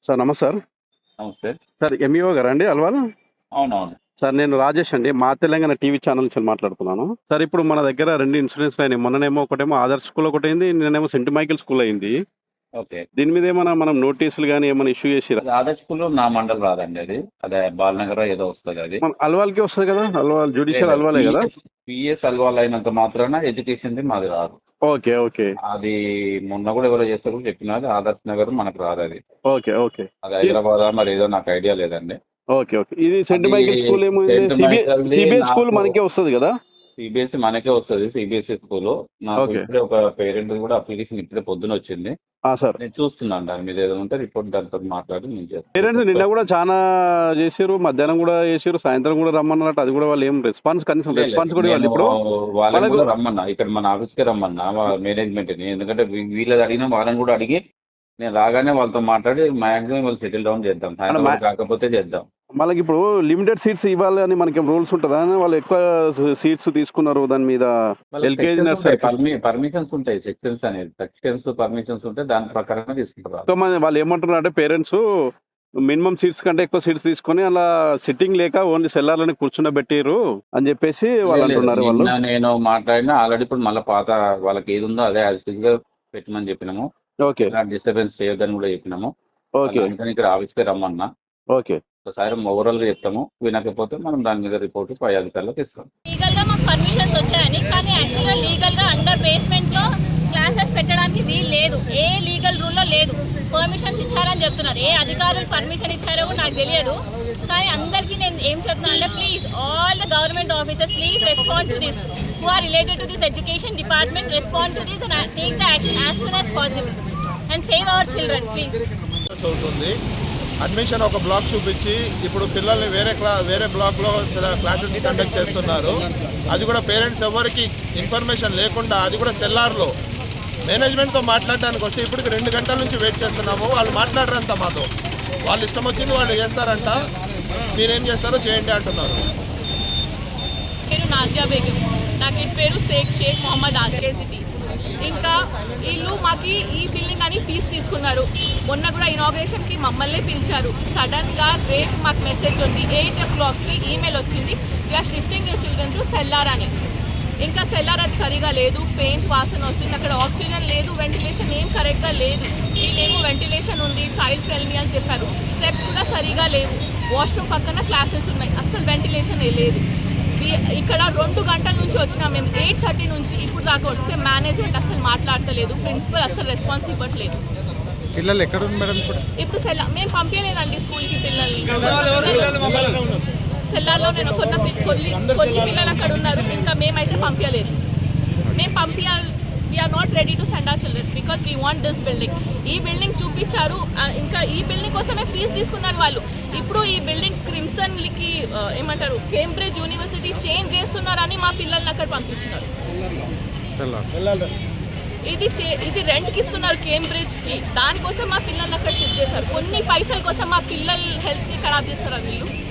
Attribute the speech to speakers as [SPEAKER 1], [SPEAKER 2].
[SPEAKER 1] Sir నమస్తే sir.
[SPEAKER 2] నమస్తే.
[SPEAKER 1] Sir MEO గారండి అల్వాల్?
[SPEAKER 2] అవునవును.
[SPEAKER 1] సార్ నేను రాజేష్ అండి. మా తెలంగాణ టీవీ ఛానల్ నుంచి మాట్లాడుతున్నాను. సార్ ఇప్పుడు మన దగ్గర 2 ఇన్సిడెంట్స్ అయినాయి. మొన్ననేమో ఒకటేమో ఆదర్శ్ స్కూల్ ఒకటైంది. నిన్నేమో సెంట్ మైకేల్ స్కూల్ అయింది.
[SPEAKER 2] ఓకే.
[SPEAKER 1] దీని మీద ఏమైనా మనం నోటీసులు గాని ఏమైనా ఇష్యూ చేసిరా?
[SPEAKER 2] అది ఆదర్శ్ స్కూల్లో నా మండల్ రాదండి అది. అదే బాలనగర్ ఏదో వస్తది అది.
[SPEAKER 1] మన అల్వాల్‌కే వస్తది కదా! అల్వాల్ జ్యుడిషియల్ అల్వాలే కదా!
[SPEAKER 2] పిఎస్ అల్వాల్ అయినంత మాత్రాన ఎడ్యుకేషన్‌ది మాది రాదు.
[SPEAKER 1] ఓకే. ఓకే.
[SPEAKER 2] అది మొన్న కూడా ఎవరో చేస్తే కూడా చెప్పినారు. ఆదర్శ్ నగర్ మనకు రాదు అది.
[SPEAKER 1] ఓకే. ఓకే.
[SPEAKER 2] అది హైదరాబాదా మరి ఏదో నాకు ఐడియా లేదండి.
[SPEAKER 1] ఓకే. ఓకే. ఇది సెంట్
[SPEAKER 2] అది
[SPEAKER 1] మైకేల్ స్కూల్ ఏమో
[SPEAKER 2] సెంట్ మైకేల్‌ది
[SPEAKER 1] సిబిఎస్ స్కూల్
[SPEAKER 2] నాకు
[SPEAKER 1] మనకే వస్తది కదా!
[SPEAKER 2] సిబిఎస్ఈ మనకే వస్తది. CBSE school. నాకు
[SPEAKER 1] ఓకే.
[SPEAKER 2] ఇప్పుడే ఒక పేరెంట్ కూడా అప్లికేషన్ ఇప్పుడే పొద్దున వచ్చింది.
[SPEAKER 1] సార్.
[SPEAKER 2] నేను చూస్తున్నాను దాని మీద ఏదో ఉంటే రిపోర్ట్ దాంతో మాట్లాడి నేను
[SPEAKER 1] పేరెంట్స్ నిన్న
[SPEAKER 2] చేస్తాను.
[SPEAKER 1] కూడా చాలా చేసిర్రు. మధ్యాహ్నం కూడా చేసిర్రు. సాయంత్రం కూడా రమ్మన్నారట. అది కూడా వాళ్ళు ఏం కనీసం రెస్పాన్స్ కూడా ఇవ్వాలి.
[SPEAKER 2] నేను
[SPEAKER 1] ఇప్పుడు
[SPEAKER 2] వాళ్ళని
[SPEAKER 1] వాళ్ళకు
[SPEAKER 2] కూడా రమ్మన్నా. ఇక్కడ మన ఆఫీస్‌కే రమ్మన్నా మేనేజ్మెంట్‌ని. ఎందుకంటే వీళ్ళది అడిగినా వాళ్ళని కూడా అడిగి నేను రాగానే వాళ్ళతో మాట్లాడి మాక్సిమం వాళ్ళు సెటిల్ డౌన్ చేద్దాం. సాయంత్రం వరకు కాకపోతే చేద్దాం.
[SPEAKER 1] మనకి ఇప్పుడు లిమిటెడ్ సీట్స్ ఇవ్వాలి అని మనకి రూల్స్ ఉంటుందా? వాళ్ళు ఎక్కువ సీట్స్ తీసుకున్నారు దాని మీద. ఎల్కేజీ నర్సరీ
[SPEAKER 2] పర్మిషన్స్ ఉంటాయి. సెక్షన్స్ పర్మిషన్స్ ఉంటాయి. దాని ప్రకారంగా తీసుకుంటారు.
[SPEAKER 1] ఎక్కువ మంది వాళ్ళు ఏమంటున్నారు అంటే పేరెంట్స్ మినిమం సీట్స్ కంటే ఎక్కువ సీట్స్ తీసుకొని అలా సిట్టింగ్ లేక ఓన్లీ సెల్లార్లని కూర్చుండబెట్టిరు అని చెప్పేసి వాళ్ళు అంటున్నారు. వాళ్ళు
[SPEAKER 2] నేను మాట్లాడినా ఆల్రెడీ ఇప్పుడు మళ్ళీ పాత వాళ్ళకి ఏది ఉందో అదే యాజ్ పెట్టమని చెప్పినాము.
[SPEAKER 1] ఓకే.
[SPEAKER 2] డిస్టర్బెన్స్ చేయొద్దని కూడా చెప్పినాము.
[SPEAKER 1] ఓకే.
[SPEAKER 2] అందుకని ఇక్కడ ఆఫీస్కే రమ్మన్నా.
[SPEAKER 1] ఓకే.
[SPEAKER 2] ఒకసారి ఓవరాల్ గా చెప్తాము. వినకపోతే మనం దాని మీద రిపోర్ట్ పై అధికారులకు ఇస్తాం.
[SPEAKER 3] లీగల్ గా మాకు పర్మిషన్స్ వచ్చాయని, కానీ యాక్చువల్గా లీగల్ గా అండర్ బేస్మెంట్ లో క్లాసెస్ పెట్టడానికి వీలు లేదు. ఏ లీగల్ రూల్ లో లేదు. పర్మిషన్స్ ఇచ్చారని చెప్తున్నారు. ఏ అధికారులు పర్మిషన్ ఇచ్చారో కూడా నాకు తెలియదు. కానీ అందరికీ నేను ఏం చెప్తున్నా అంటే please all the government officers please respond to this who are related to this education department, respond to this and take the action as soon as possible and save our children please.
[SPEAKER 4] అవుతుంది. Admission ఒక block చూపించి ఇప్పుడు పిల్లల్ని వేరే బ్లాక్లో classes conduct చేస్తున్నారు. అది కూడా పేరెంట్స్ ఎవరికి ఇన్ఫర్మేషన్ లేకుండా, అది కూడా సెల్లార్లో మేనేజ్మెంట్తో మాట్లాడడానికి వస్తే ఇప్పటికి 2 గంటల నుంచి వెయిట్ చేస్తున్నాము. వాళ్ళు మాట్లాడరంట మాతో. వాళ్ళు ఇష్టం వచ్చింది వాళ్ళు చేస్తారంట. మీరేం చేస్తారో చేయండి అంటున్నారు.
[SPEAKER 5] పేరు నాజియా బేగం. నాకు ఇంటి పేరు షేక్ మొహమ్మద్ ఆస్కేజిటి. ఇంకా వీళ్ళు మాకు ఈ బిల్డింగ్ అని ఫీజు తీసుకున్నారు. మొన్న కూడా ఇనాగ్రేషన్కి మమ్మల్ని పిలిచారు. సడన్గా రేపు మాకు మెసేజ్ ఉంది. 8 o'clockకి ఈమెయిల్ వచ్చింది, we are shifting your children to cellar అని. ఇంకా సెల్లార్ అది సరిగా లేదు. పెయింట్ వాసన వస్తుంది. అక్కడ ఆక్సిజన్ లేదు. వెంటిలేషన్ ఏం కరెక్ట్గా లేదు. వీళ్ళేమో వెంటిలేషన్ ఉంది, చైల్డ్ ఫ్రెండ్లీ అని చెప్పారు. స్టెప్స్ కూడా సరిగా లేవు. వాష్రూమ్ పక్కన క్లాసెస్ ఉన్నాయి. అస్సలు వెంటిలేషన్ లేదు. ఇక్కడ 2 గంటల నుంచి వచ్చినా మేము 8:30 నుంచి ఇప్పుడు దాకా వస్తే మేనేజ్మెంట్ అసలు మాట్లాడతలేదు. ప్రిన్సిపల్ అసలు రెస్పాన్స్ ఇవ్వట్లేదు.
[SPEAKER 4] పిల్లలు ఎక్కడ ఉంది మేడం?
[SPEAKER 5] ఇప్పుడు మేము పంపించలేదండి స్కూల్కి పిల్లల్ని. సెల్లార్లో నేను కొన్ని పిల్లలు అక్కడ ఉన్నారు. ఇంకా మేమైతే పంపించలేదు. మేము పంపించాలి. We are not ready to send our children because we want this building. ఈ బిల్డింగ్ చూపించారు. ఇంకా ఈ బిల్డింగ్ కోసమే ఫీజు తీసుకున్నారు వాళ్ళు. ఇప్పుడు ఈ బిల్డింగ్ క్రిమ్సన్కి ఏమంటారు కేంబ్రిడ్జ్ యూనివర్సిటీ చేంజ్ చేస్తున్నారని మా పిల్లల్ని అక్కడ పంపించినారు. ఇది రెంట్కి ఇస్తున్నారు కేంబ్రిడ్జ్కి. దానికోసం మా పిల్లల్ని అక్కడ షిఫ్ట్ చేశారు. కొన్ని పైసల కోసం మా పిల్లల హెల్త్ని ఖరాబ్ చేస్తారు వీళ్ళు.